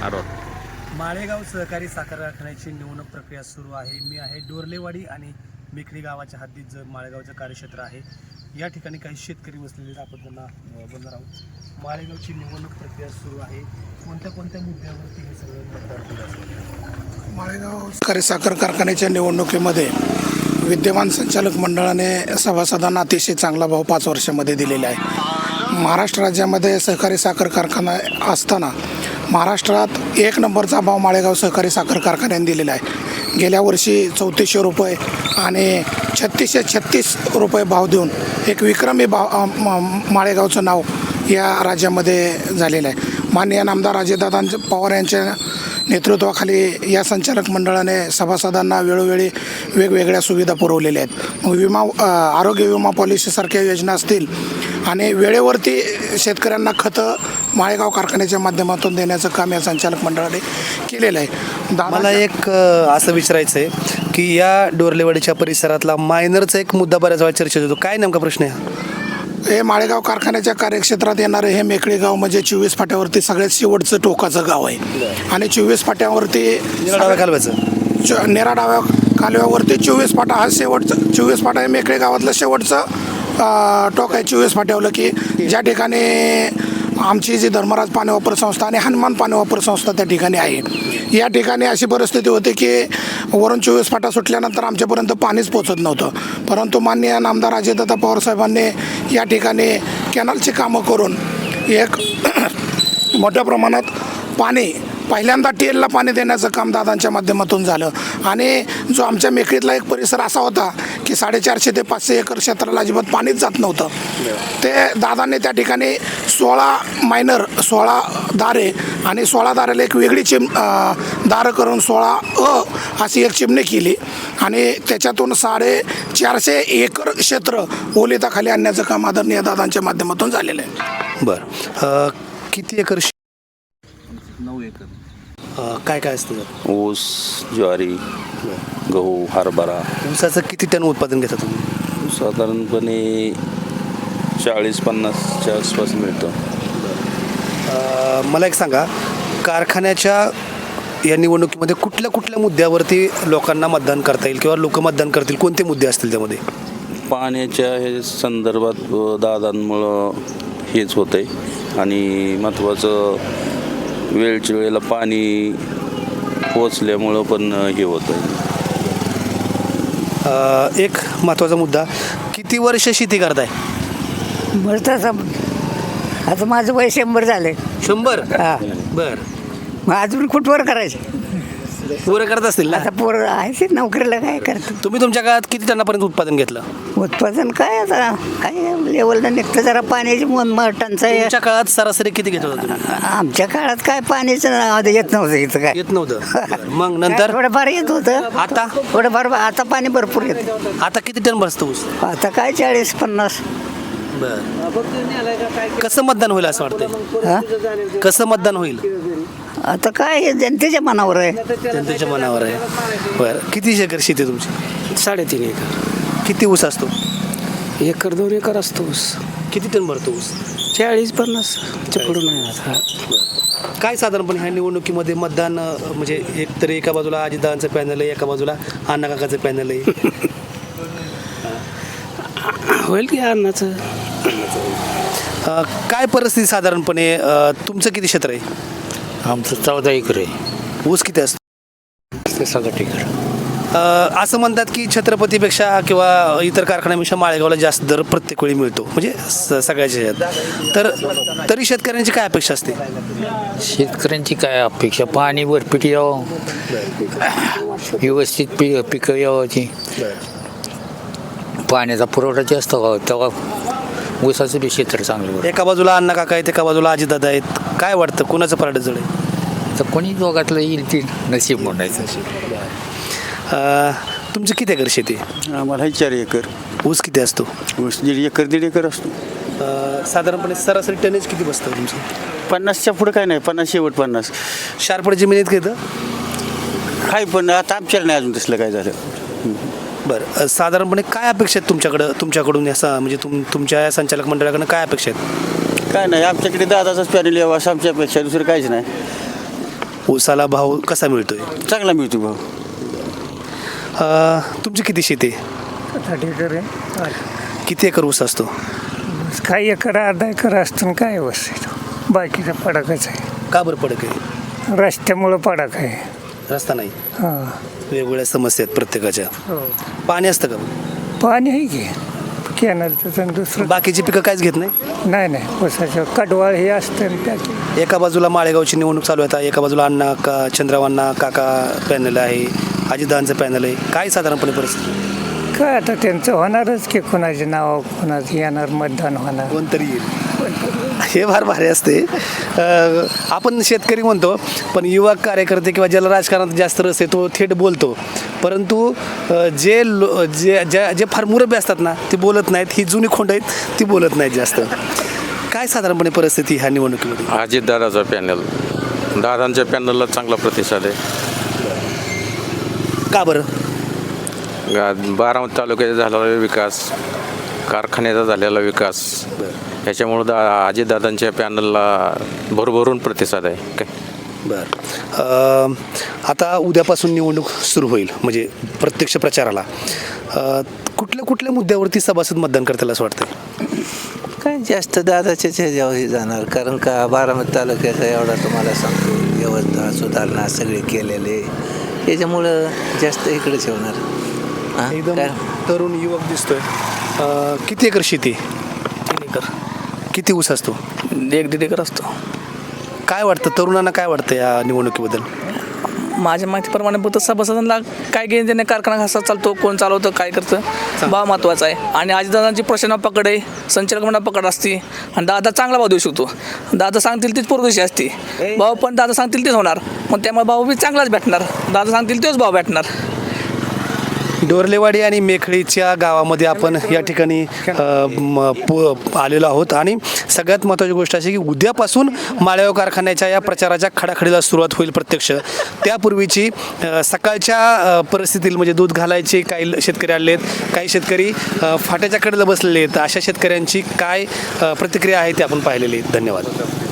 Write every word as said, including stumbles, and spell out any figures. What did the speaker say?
आरोप माळेगाव सहकारी साखर कारखान्याची निवडणूक प्रक्रिया सुरू आहे. मी आहे डोरलेवाडी आणि मेखरी गावाच्या हद्दीत जे माळेगावचं कार्यक्षेत्र आहे. या ठिकाणी काही शेतकरी बसलेले आपण त्यांना बोलणार आहोत. माळेगावची निवडणूक प्रक्रिया सुरू आहे. कोणत्या कोणत्या मुद्द्यावरती हे सगळं मतदान केलं असेल? माळेगाव सहकारी साखर कारखान्याच्या निवडणुकीमध्ये विद्यमान संचालक मंडळाने सभासदांना अतिशय चांगला भाव पाच वर्षामध्ये दिलेला आहे. महाराष्ट्र राज्यामध्ये सहकारी साखर कारखाना असताना महाराष्ट्रात एक नंबरचा भाव माळेगाव सहकारी साखर कारखान्याने दिलेला आहे. गेल्या वर्षी चौतीसशे रुपये आणि छत्तीसशे छत्तीस रुपये भाव देऊन एक विक्रमी भाव माळेगावचं नाव या राज्यामध्ये झालेलं आहे. माननीय नामदार अजितदादा पवार यांच्या नेतृत्वाखाली या संचालक मंडळाने सभासदांना वेळोवेळी वेगवेगळ्या सुविधा पुरवलेल्या आहेत. मग विमा आरोग्य विमा पॉलिसीसारख्या योजना असतील आणि वेळेवरती शेतकऱ्यांना खतं माळेगाव कारखान्याच्या माध्यमातून देण्याचं काम या संचालक मंडळाने केलेलं आहे. मला एक असं विचारायचं आहे की या डोरलेवाडीच्या परिसरातला मायनरचा एक मुद्दा बऱ्याच वेळा चर्चेत होतो. काय नेमका प्रश्न आहे? हे माळेगाव कारखान्याच्या कार्यक्षेत्रात येणारे हे मेखळी गाव म्हणजे चोवीस फाट्यावरती सगळ्यात शेवटचं टोकाचं गाव आहे. आणि चोवीस फाट्यावरती डाव्या कालव्याचं नेरा डाव्या कालव्यावरती चोवीस फाटा हा शेवटचं चोवीस फाटा हे मेखळी गावातलं शेवटचं टोक आहे. चोवीस फाट्यावलं की ज्या ठिकाणी आमची जी धर्मराज पाणी वापर संस्था आणि हनुमान पाणी वापर संस्था त्या ठिकाणी आहे. या ठिकाणी अशी परिस्थिती होती की वरून चोवीस फाटा सुटल्यानंतर आमच्यापर्यंत पाणीच पोचत नव्हतं. परंतु माननीय नामदार अजितदादा पवार साहेबांनी या ठिकाणी कॅनलची कामं करून एक मोठ्या प्रमाणात पाणी पहिल्यांदा टेलला पाणी देण्याचं काम दादांच्या माध्यमातून झालं. आणि जो आमच्या मेखळीतला एक परिसर असा होता की साडेचारशे ते पाचशे एकर क्षेत्राला अजिबात पाणीच जात नव्हतं. ते दादांनी त्या ठिकाणी सोळा मायनर सोळा दारे आणि सोळा दाराला एक वेगळी चिम दारं करून सोळा अ अशी एक चिमणी केली आणि त्याच्यातून साडेचारशे एकर क्षेत्र ओलिताखाली आणण्याचं काम आदरणीय दादांच्या माध्यमातून झालेलं आहे. बरं, किती एकर? नऊ एकर. काय काय असतं? ऊस, ज्वारी, गहू, हरभरा. ऊसाचं किती टन उत्पादन घेता तुम्ही? साधारणपणे चाळीस पन्नासच्या आसपास मिळतं. मला एक सांगा, कारखान्याच्या या निवडणुकीमध्ये कुठल्या कुठल्या मुद्द्यावरती लोकांना मतदान करता येईल किंवा लोक मतदान करतील? कोणते मुद्दे असतील त्यामध्ये? पाण्याच्या हे संदर्भात दादांमुळं हेच होतं आहे. आणि महत्त्वाचं वेळच्या वेळेला पाणी पोचल्यामुळं पण हे होतं आहे. एक महत्त्वाचा मुद्दा, किती वर्ष शेती करताय? बरं, तसं आता माझं वय शंभर झाले. शंभर? हां. बरं, मग अजून कुठवर करायचे? पोरं करत असतील ना? आता पोरं आहे नोकरीला काय करतो. तुम्ही तुमच्या काळात किती टनापर्यंत उत्पादन घेतलं? उत्पादन काय आता काय लेवलला निघतं जरा पाण्याची टंचाई. तुमच्या काळात सरासरी किती घेत होता तुम्ही? आमच्या काळात काय पाण्याचं येत नव्हतं इथं काय येत नव्हतं. मग नंतर थोडंफार येत होतं. आता थोडंफार आता पाणी भरपूर येतं. आता किती टन बसतो ऊस? आता काय चाळीस पन्नास. बरं, कसं मतदान होईल असं वाटतं? हां, कसं मतदान होईल? आता काय हे जनतेच्या मनावर आहे. जनतेच्या मनावर आहे. बरं, किती एकर शेती तुमची? साडेतीन एकर. किती ऊस असतो? एकर दोन एकर असतो ऊस. किती टन भरतो ऊस? चाळीस पन्नास पुढून आहे. काय साधारणपणे ह्या निवडणुकीमध्ये मतदान म्हणजे एक तर एका बाजूला अजितदादांचं पॅनल आहे, एका बाजूला अण्णा काकाचं पॅनल आहे. होईल की अन्नाचं. काय परिस्थिती साधारणपणे? तुमचं किती क्षेत्र आहे? आमचं चौदा एकर आहे. ऊस किती असतो? ते सात एकर. असं म्हणतात की छत्रपतीपेक्षा किंवा इतर कारखान्यापेक्षा माळेगावला जास्त दर प्रत्येक वेळी मिळतो, म्हणजे स सगळ्याच्या ह्याच्यात. तर तरी शेतकऱ्यांची काय अपेक्षा असते? शेतकऱ्यांची काय अपेक्षा? पाणी भरपीट यावं, व्यवस्थित पी पिकं यावाची, पाण्याचा पुरवठा जास्त व्हावा, तेव्हा ऊसाचं बी क्षेत्र चांगलं. एका बाजूला अण्णा काका आहेत, एका बाजूला अजितदादा आहेत. काय वाटतं कोणाचं पारडं जड आहे? तर कोणी दोघातलं येईल ती नशीब म्हणायचं. तुमचं किती एकर शेती? आम्हाला चार एकर. ऊस किती असतो? ऊस दीड एकर दीड एकर असतो. साधारणपणे सरासरी टनेज किती बसतं तुमचं? पन्नासच्या पुढं काय नाही, पन्नास शेवट पन्नास. शारपड जमिनीत घेतं काय पण आता आमच्याला नाही अजून तसलं काय झालं. बरं, साधारणपणे काय अपेक्षा आहेत तुमच्याकडं तुमच्याकडून असं म्हणजे तुम तुमच्या संचालक मंडळाकडून काय अपेक्षा आहेत? काय नाही, आमच्याकडे दादाचाच पॅनल यावा असं आमच्या अपेक्षा, दुसरं काहीच नाही. ऊसाला भाव कसा मिळतोय? चांगला मिळतो भाऊ. अ, तुमची किती शेती आहे? किती एकर ऊस असतो? काही एकर अर्धा एकर असतं काय व्यवस्थित बाकीचा पडाकच आहे. का बरं पडक आहे? रस्त्यामुळं पडाक आहे. रस्ता नाही, हां वेगवेगळ्या समस्या आहेत प्रत्येकाच्या. हो पाणी असतं का? पाणी आहे की कॅनलचं तर दुसरं बाकीची पिकं काहीच घेत नाही? नाही नाही ऊसाचं कडवाळ हे असतं आणि त्याची एका बाजूला माळेगावची निवडणूक चालू आहे, आता एका बाजूला अण्णा का चंद्रवांना काका पॅनल आहे, अजितदादांचं पॅनल आहे. काय साधारणपणे परिस्थिती? काय आता त्यांचं होणारच की कोणाचे नाव कोणाचं येणार मतदान होणार. कोणतरी येईल हे फार भारी असते. अ, आपण शेतकरी म्हणतो, पण युवा कार्यकर्ते किंवा ज्याला राजकारणात जास्त रस आहे तो थेट बोलतो, परंतु अ, जे लो जे ज्या जे फार मुरबे असतात ना ते बोलत नाहीत. ही जुनी खोंड आहेत ती बोलत नाहीत जास्त. काय साधारणपणे परिस्थिती ह्या निवडणुकीमध्ये? अजितदादाचा पॅनल, दादांच्या पॅनलला चांगला प्रतिसाद आहे. का बरं? गा- बारामती तालुक्याचा झालेला विकास, कारखान्याचा झालेला विकास, ह्याच्यामुळं दा अजितदादांच्या पॅनलला भरभरून प्रतिसाद आहे. काय बरं. अ, आता उद्यापासून निवडणूक सुरू होईल म्हणजे प्रत्यक्ष प्रचाराला. अ, कुठल्या कुठल्या मुद्द्यावरती सभासद मतदान करतील असं वाटतं? काय जास्त दादाच्याच ह्याच्यावर हे जाणार, कारण का बारामती तालुक्याचा एवढा तुम्हाला सांगतो व्यवस्था सुधारणा सगळे केलेले, त्याच्यामुळं जास्त इकडेच होणार. हां, एकदम काय तरुण युवक दिसतोय. अ, किती एकर शेती? तीन एकर किती ऊस असतो? एक दीड एकर असतो. काय वाटतं तरुणांना, काय वाटतं या निवडणुकीबद्दल? माझ्या माहितीप्रमाणे फक्त सभासदांना काय घेऊन देणे, कारखाना कसा चालतो, कोण चालवतं, काय करतं, भाव महत्त्वाचा आहे. आणि आजीदादांची प्रश्न पकड आहे, संचालक मंडळ पकड असते आणि दादा चांगला भाव देऊ शकतो. दादा सांगतील तीच पुरदुशी असते, भाव पण दादा सांगतील तेच होणार. मग त्यामुळे भाव बी चांगलाच भेटणार, दादा सांगतील तेच भाव भेटणार. डोरलेवाडी आणि मेखळीच्या गावामध्ये आपण या ठिकाणी अ, म, प- आलेलो आहोत आणि सगळ्यात महत्त्वाची गोष्ट अशी की उद्यापासून माळेगाव कारखान्याच्या या प्रचाराच्या खडाखडीला सुरुवात होईल प्रत्यक्ष. त्यापूर्वीची अ, सकाळच्या अ, परिस्थितीत म्हणजे दूध घालायचे काही शेतकरी आले आहेत, काही शेतकरी अ, फाट्याच्या कडेला बसलेले आहेत. अशा शेतकऱ्यांची काय अ, प्रतिक्रिया आहे ते आपण पाहिलेली आहे. धन्यवाद.